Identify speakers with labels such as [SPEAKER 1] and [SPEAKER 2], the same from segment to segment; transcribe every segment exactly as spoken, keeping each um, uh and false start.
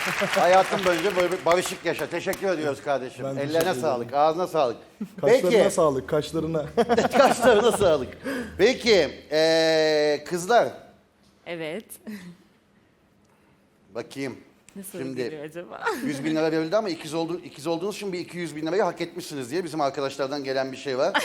[SPEAKER 1] Hayatım boyunca böyle bir barışık yaşa. Teşekkür ediyoruz kardeşim.
[SPEAKER 2] Ben teşekkür
[SPEAKER 1] Ellerine
[SPEAKER 2] ederim.
[SPEAKER 1] sağlık, ağzına sağlık.
[SPEAKER 2] Kaşlarına
[SPEAKER 1] Peki,
[SPEAKER 2] sağlık, kaşlarına.
[SPEAKER 1] kaşlarına sağlık. Peki, ee, kızlar.
[SPEAKER 3] Evet.
[SPEAKER 1] Bakayım.
[SPEAKER 3] Nasıl
[SPEAKER 1] Şimdi
[SPEAKER 3] geliyor acaba?
[SPEAKER 1] yüz bin lira verildi ama ikiz, oldu, ikiz olduğunuz için bir iki yüz bin lirayı hak etmişsiniz diye bizim arkadaşlardan gelen bir şey var.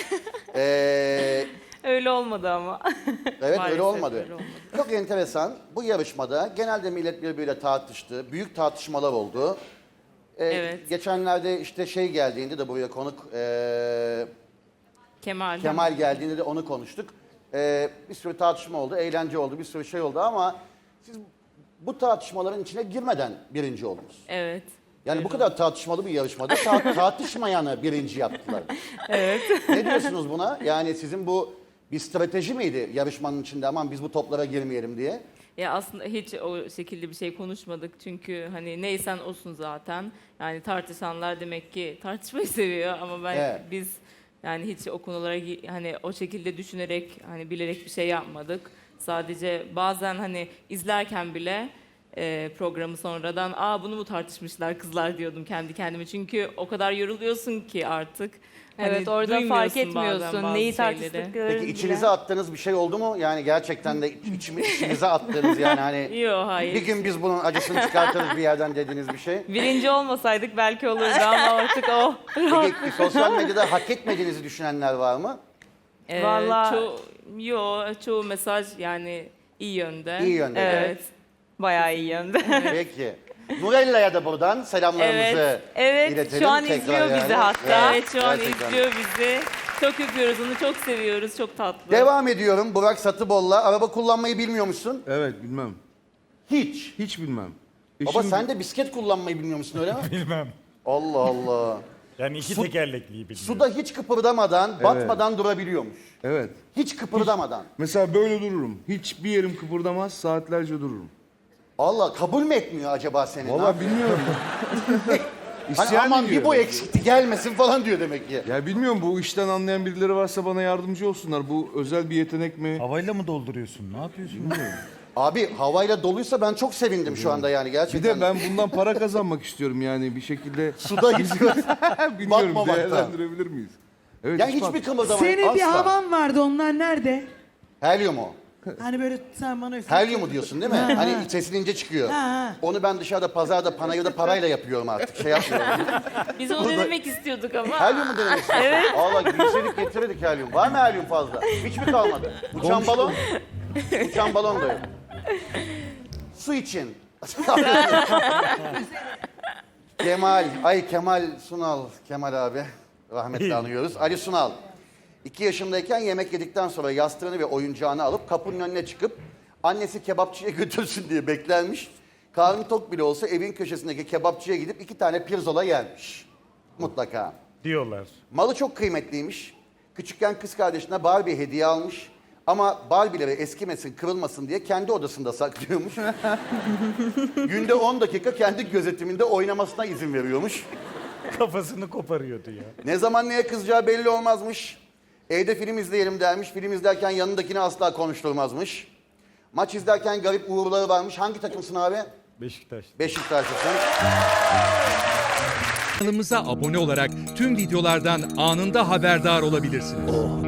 [SPEAKER 1] Ee,
[SPEAKER 3] Öyle olmadı ama.
[SPEAKER 1] evet öyle
[SPEAKER 3] Maalesef
[SPEAKER 1] olmadı.
[SPEAKER 3] öyle olmadı.
[SPEAKER 1] Çok enteresan. Bu yarışmada genelde millet birbiriyle tartıştı. Büyük tartışmalar oldu. Ee,
[SPEAKER 3] Evet.
[SPEAKER 1] Geçenlerde işte şey geldiğinde de buraya konuk ee,
[SPEAKER 3] Kemal.
[SPEAKER 1] Kemal geldiğinde de onu konuştuk. Ee, bir sürü tartışma oldu, eğlence oldu, bir sürü şey oldu ama siz bu tartışmaların içine girmeden birinci oldunuz.
[SPEAKER 3] Evet.
[SPEAKER 1] Yani
[SPEAKER 3] öyle
[SPEAKER 1] bu kadar tartışmalı bir yarışmada ta- tartışmayanı birinci yaptılar.
[SPEAKER 3] Evet.
[SPEAKER 1] Ne diyorsunuz buna? Yani sizin bu bir strateji miydi yarışmanın içinde, aman biz bu toplara girmeyelim diye?
[SPEAKER 3] Ya aslında hiç o şekilde bir şey konuşmadık çünkü hani neysen olsun zaten. Yani tartışanlar demek ki tartışmayı seviyor ama ben
[SPEAKER 1] Evet.
[SPEAKER 3] biz yani hiç o konulara gi- hani o şekilde düşünerek hani bilerek bir şey yapmadık. Sadece bazen hani izlerken bile e, programı sonradan aa bunu mu tartışmışlar kızlar diyordum kendi kendime. Çünkü o kadar yoruluyorsun ki artık.
[SPEAKER 4] Evet,
[SPEAKER 3] Hani
[SPEAKER 4] orada fark
[SPEAKER 3] duymuyorsun bazen
[SPEAKER 4] etmiyorsun
[SPEAKER 3] bazı
[SPEAKER 4] neyi
[SPEAKER 3] şeyleri.
[SPEAKER 4] tartıştıklarını
[SPEAKER 1] Peki
[SPEAKER 4] bile.
[SPEAKER 1] içinize attığınız bir şey oldu mu? Yani gerçekten de iç- içimi, içinize attığınız yani hani
[SPEAKER 3] Yok hayır.
[SPEAKER 1] bir gün biz bunun acısını çıkartırız bir yerden dediğiniz bir şey.
[SPEAKER 3] Birinci olmasaydık belki olurdu ama artık o.
[SPEAKER 1] Peki sosyal medyada hak etmediğinizi düşünenler var mı?
[SPEAKER 3] Ee,
[SPEAKER 4] Vallahi-
[SPEAKER 3] Çoğu, yo, çoğu mesaj yani iyi yönde.
[SPEAKER 1] İyi yönde.
[SPEAKER 3] Evet.
[SPEAKER 4] Bayağı iyi yönde.
[SPEAKER 1] Peki. Nurella'ya da buradan selamlarımızı
[SPEAKER 3] Evet, evet.
[SPEAKER 1] iletelim.
[SPEAKER 4] Şu an
[SPEAKER 1] tekrar
[SPEAKER 4] izliyor
[SPEAKER 1] yani.
[SPEAKER 4] bizi hatta.
[SPEAKER 3] Evet şu an
[SPEAKER 1] gerçekten.
[SPEAKER 3] izliyor bizi. Çok öpüyoruz onu, çok seviyoruz, çok tatlı.
[SPEAKER 1] Devam ediyorum. Burak Satıbol'la. Araba kullanmayı bilmiyormuşsun.
[SPEAKER 5] Evet bilmem.
[SPEAKER 1] Hiç.
[SPEAKER 5] Hiç bilmem.
[SPEAKER 1] Baba
[SPEAKER 5] Eşim-
[SPEAKER 1] sen de bisiklet kullanmayı bilmiyor musun öyle mi?
[SPEAKER 6] Bilmem.
[SPEAKER 1] Allah Allah.
[SPEAKER 6] Yani iki
[SPEAKER 1] Su-
[SPEAKER 6] tekerlekliyi bilmiyorum.
[SPEAKER 1] Suda hiç kıpırdamadan, batmadan durabiliyormuş.
[SPEAKER 5] Evet.
[SPEAKER 1] Hiç kıpırdamadan.
[SPEAKER 5] Mesela böyle dururum. Hiçbir yerim kıpırdamaz, saatlerce dururum.
[SPEAKER 1] Allah kabul mü etmiyor acaba seni? Ne
[SPEAKER 5] Vallahi
[SPEAKER 1] yapıyor?
[SPEAKER 5] bilmiyorum.
[SPEAKER 1] Hani
[SPEAKER 5] İsyan
[SPEAKER 1] aman bir
[SPEAKER 5] ediyor
[SPEAKER 1] bu
[SPEAKER 5] herhalde.
[SPEAKER 1] eksikti gelmesin falan diyor demek ki.
[SPEAKER 5] Ya bilmiyorum, bu işten anlayan birileri varsa bana yardımcı olsunlar. Bu özel bir yetenek mi?
[SPEAKER 6] Havayla mı dolduruyorsun? Ne yapıyorsun?
[SPEAKER 1] Abi havayla doluysa ben çok sevindim şu anda yani
[SPEAKER 5] Bir
[SPEAKER 1] gerçekten.
[SPEAKER 5] de ben bundan para kazanmak istiyorum yani bir şekilde.
[SPEAKER 1] Suda gidiyor.
[SPEAKER 5] Bilmiyorum,
[SPEAKER 1] Batmamakta.
[SPEAKER 5] değerlendirebilir miyiz? Evet,
[SPEAKER 1] Yani
[SPEAKER 5] hiç
[SPEAKER 1] hiçbir
[SPEAKER 5] bak-
[SPEAKER 1] kımıldama
[SPEAKER 7] Senin
[SPEAKER 1] asla.
[SPEAKER 7] bir havan vardı, onlar nerede?
[SPEAKER 1] Helyum o.
[SPEAKER 7] Hani böyle sen bana üfle.
[SPEAKER 1] Helyumu diyorsun değil mi?
[SPEAKER 7] Ha,
[SPEAKER 1] Hani
[SPEAKER 7] ha.
[SPEAKER 1] sesin ince çıkıyor.
[SPEAKER 7] Ha, ha.
[SPEAKER 1] Onu ben dışarıda pazarda panayırda parayla yapıyorum artık. Şey yapmıyorum.
[SPEAKER 3] Biz onu denemek istiyorduk ama.
[SPEAKER 1] Helyum mu denemek istiyorsun? Evet. Allah gülseydik getirirdik helyum. Var mı helyum fazla? Hiç mi kalmadı? Uçan balon? Uçan balon da yok. Su için. Kemal, ay Kemal Sunal, Kemal abi. Rahmetle anıyoruz. Ali Sunal. İki yaşındayken yemek yedikten sonra yastığını ve oyuncağını alıp kapının önüne çıkıp annesi kebapçıya götürsün diye beklenmiş. Karnı tok bile olsa evin köşesindeki kebapçıya gidip iki tane pirzola yermiş. Mutlaka.
[SPEAKER 6] Diyorlar.
[SPEAKER 1] Malı çok kıymetliymiş. Küçükken kız kardeşine Barbie hediye almış. Ama Barbie'leri eskimesin, kırılmasın diye kendi odasında saklıyormuş. Günde on dakika kendi gözetiminde oynamasına izin veriyormuş.
[SPEAKER 6] Kafasını koparıyordu ya.
[SPEAKER 1] Ne zaman neye kızacağı belli olmazmış. Evde film izleyelim dermiş. Film izlerken yanındakini asla konuşturmazmış. Maç izlerken garip uğurları varmış. Hangi takımsın abi?
[SPEAKER 6] Beşiktaş.
[SPEAKER 1] Beşiktaşlısın.
[SPEAKER 8] Kanalımıza abone olarak tüm videolardan anında haberdar olabilirsiniz.